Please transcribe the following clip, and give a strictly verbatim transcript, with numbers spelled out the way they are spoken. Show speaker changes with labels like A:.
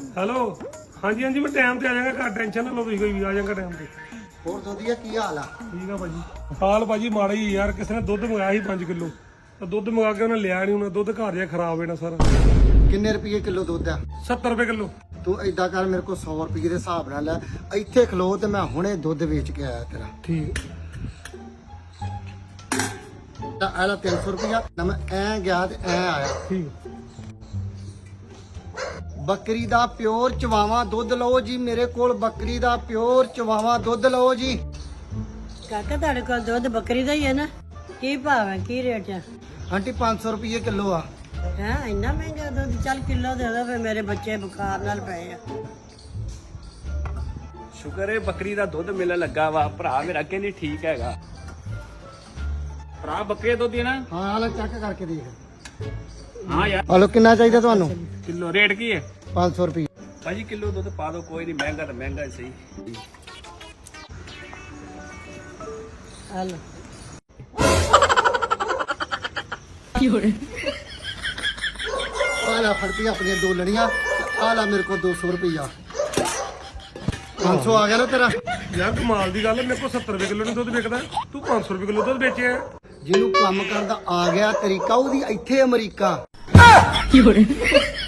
A: hello ਹਾਂਜੀ ਹਾਂਜੀ ਮੈਂ ਟਾਈਮ ਤੇ ਆ ਜਾਵਾਂਗਾ ਘਰ ਟੈਨਸ਼ਨ ਨਾ ਲਓ ਤੁਸੀਂ ਕੋਈ ਵੀ ਆ ਜਾਵਾਂਗਾ ਟਾਈਮ ਤੇ
B: ਹੋਰ ਵਧੀਆ ਕੀ ਹਾਲ ਆ
A: ਠੀਕ ਆ ਭਾਜੀ ਹਾਲ ਭਾਜੀ ਮਾੜਾ ਹੀ ਯਾਰ ਕਿਸੇ ਨੇ ਦੁੱਧ ਮੰਗਾਇਆ ਸੀ ਪੰਜ ਕਿਲੋ ਤਾਂ ਦੁੱਧ ਮੰਗਾ ਕੇ ਉਹਨੇ ਲਿਆ ਨਹੀਂ ਉਹਨਾਂ ਦੁੱਧ ਘਰ ਜਿਹਾ ਖਰਾਬ ਹੋ ਜਾਣਾ ਸਾਰਾ
B: ਕਿੰਨੇ ਰੁਪਏ ਕਿਲੋ ਦੁੱਧ ਆ
A: ਸੱਤਰ ਰੁਪਏ ਕਿਲੋ
B: ਤੂੰ ਏਦਾਂ ਕਰ ਮੇਰੇ ਕੋਲ ਸੌ ਰੁਪਏ ਦੇ ਹਿਸਾਬ ਨਾਲ ਲੈ ਇੱਥੇ ਖਲੋ ਤੇ ਮੈਂ ਹੁਣੇ ਦੁੱਧ ਵੇਚ ਕੇ ਆਇਆ ਤੇਰਾ
A: ਠੀਕ
B: ਤਾਂ ਆਲਾ ਤਿੰਨ ਸੌ ਰੁਪਇਆ ਨਾ ਮੈਂ ਐ ਗਿਆ ਤੇ ਐ ਆਇਆ
A: ਠੀਕ
B: ਬੱਕਰੀ ਦਾ ਪਿਓਰ ਚਵਾਵਾ ਦੁੱਧ ਲਓ ਜੀ ਮੇਰੇ ਕੋਲ ਬੱਕਰੀ ਦਾ ਪਿਓਰ ਚਵਾਵਾ ਦੁੱਧ ਲਓ ਜੀ
C: ਕਾਕਾ ਤੁਹਾਡੇ ਕੋਲ ਦੁੱਧ ਬੱਕਰੀ ਦਾ ਹੀ ਹੈ ਨਾ ਕੀ ਭਾਅ ਹੈ ਕੀ ਰੇਟ ਹੈ
B: ਆਂਟੀ ਪੰਜ ਸੌ ਰੁਪਏ ਕਿਲੋ ਆ
C: ਹੈ ਇੰਨਾ ਮਹਿੰਗਾ ਦੁੱਧ ਚੱਲ ਕਿਲੋ ਦੇ ਦੋ ਫੇ ਮੇਰੇ ਬੱਚੇ ਬੁਖਾਰ ਨਾਲ ਪਏ ਆ
D: ਸ਼ੁਕਰ ਹੈ ਬੱਕਰੀ ਦਾ ਦੁੱਧ ਮਿਲਣ ਲੱਗਾ ਵਾ ਭਰਾ ਮੇਰਾ ਕਹਿੰਦੀ ਠੀਕ ਹੈਗਾ ਭਰਾ ਬੱਕਰੀ ਦਾ ਦੁੱਧ ਹੀ ਨਾ
B: ਹਾਂ ਆਲਾ ਚੈੱਕ ਕਰਕੇ ਦੇਖ
D: ਹਾਂ ਯਾਰ
B: ਹਲੋ ਕਿੰਨਾ ਚਾਹੀਦਾ ਤੁਹਾਨੂੰ
D: ਕਿਲੋ ਰੇਟ ਕੀ ਹੈ
B: ਪੰਜ ਸੌ ਰੁਪਏ
D: ਭਾਜੀ ਕਿਲੋ ਦੁੱਧ ਪਾ ਦਿਓ ਕੋਈ ਨਹੀਂ ਮਹਿੰਗਾ ਤਾਂ ਮਹਿੰਗਾ ਹੀ ਸਹੀ
C: ਹਲ
B: ਆਲਾ ਫੜਤੀ ਆਪਣੀਆਂ ਦੋ ਲੜੀਆਂ ਆਲਾ ਮੇਰੇ ਕੋਲ ਦੋ ਸੌ ਰੁਪਇਆ ਪੰਜ ਸੌ ਆ ਗਿਆ ਨਾ ਤੇਰਾ
A: ਯਾਰ ਕਮਾਲ ਦੀ ਗੱਲ ਹੈ ਮੇਰੇ ਕੋਲ ਸੱਤਰ ਰੁਪਏ ਕਿਲੋ ਨਹੀਂ ਦੁੱਧ ਵਿਕਦਾ ਤੂੰ ਪੰਜ ਸੌ ਰੁਪਏ ਕਿਲੋ ਦੁੱਧ ਵੇਚਿਆ
B: ਜਿਹਨੂੰ ਕੰਮ ਕਰਨ ਦਾ ਆ ਗਿਆ ਤਰੀਕਾ ਉਹਦੀ ਇੱਥੇ ਅਮਰੀਕਾ